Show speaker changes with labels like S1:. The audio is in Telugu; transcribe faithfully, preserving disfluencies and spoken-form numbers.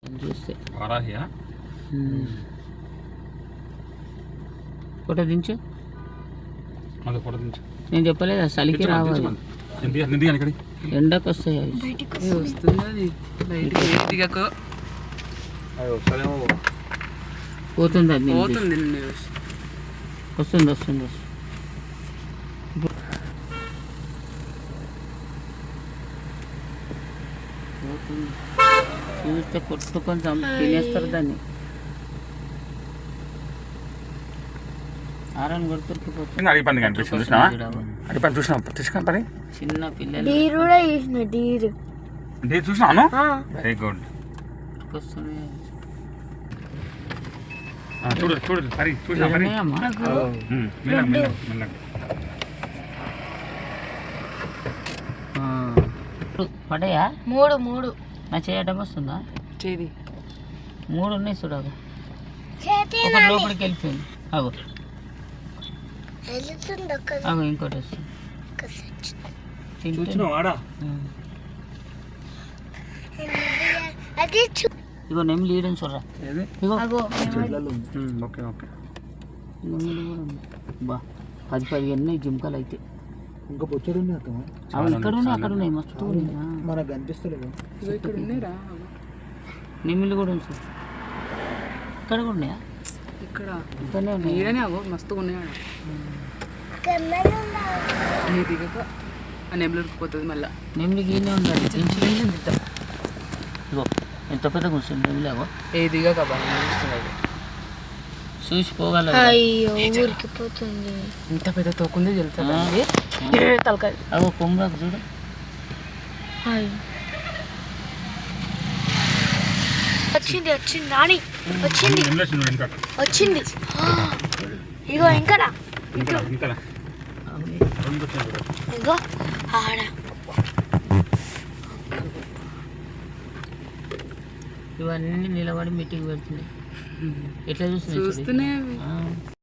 S1: చూస్తే
S2: వారాహియా
S1: ఫోటో దించు.
S2: అది ఫోటో దించు.
S1: నేను చెప్పలేదు చలికి రావాలి, ఎండకు వస్తాయి అవి.
S3: వస్తుంది
S1: పోతుంది అది
S3: పోతుంది
S1: వస్తుంది వస్తుంది వస్తుంది చూస్తే కొట్టుకొని తినేస్తారు దాన్ని. ఆరని కొడుతురికిపోతుంది.
S2: అడిగిపోయింది కనిపిస్తుంది. అడిగిపోయింది చూసినా తీసుకుని పని
S1: చిన్న పిల్లలు
S2: చూసినాను. Very good.
S1: వస్తున్నాయి
S2: చూడు చూడు హరి చూసినా హరి మెల్లగా మెల్లగా మెల్లగా
S1: పడయా
S4: మూడు మూడు
S1: నా చేయడం వస్తుందా?
S3: చేది
S1: మూడు ఉన్నాయి చూడగా. ఒక లోపలికి వెళ్ళిపోయింది. అగో అగో ఇంకోటి వస్తుంది. ఇగో నెమ్మిలి ఈడని చూడరా. ఇగో
S2: ఓకే ఓకే
S1: నెమ్మిలి కూడా ఉంది. బా పది పదిహేను ఉన్నాయి జింకలు అయితే.
S5: ఇంకా బొచ్చడు ఉన్నాయి అక్క.
S1: అవి ఇక్కడ ఉన్నాయి అక్కడ ఉన్నాయి మస్తు ఉన్నాయి.
S5: మనకు కనిపిస్తలేదు.
S1: నెమ్మిలి కూడా ఉంది. ఇక్కడ కూడా ఉన్నాయా?
S3: ఇక్కడ
S1: ఇక్కడనే ఉన్నాయి.
S3: ఈడనే అగో మస్తుగా ఉన్నాయి. దిగక ఆ నెమ్మిలికి పోతుంది మళ్ళీ.
S1: నెమ్మిలికి ఈయనే ఉండాలి. ఇగో ఎంత పెద్ద కూర్చొని నెమ్మిలి. అగో
S3: ఏ దిగక బాగా
S1: చూసి పోగల.
S4: ఊరికి పోతుంది.
S3: ఇంత పెద్ద తోకుంది తెలుసా తలకాయ.
S1: అగో కొమ్మరాకు చూడు.
S4: వచ్చింది వచ్చింది రాణి వచ్చింది వచ్చింది. ఇగో ఇంకా ఇగో ఆడ
S1: ఇవన్నీ నిలబడి మీటింగ్ పెడుతున్నాయి. ఎట్లా చూస్తున్నాయి
S3: చూస్తూనే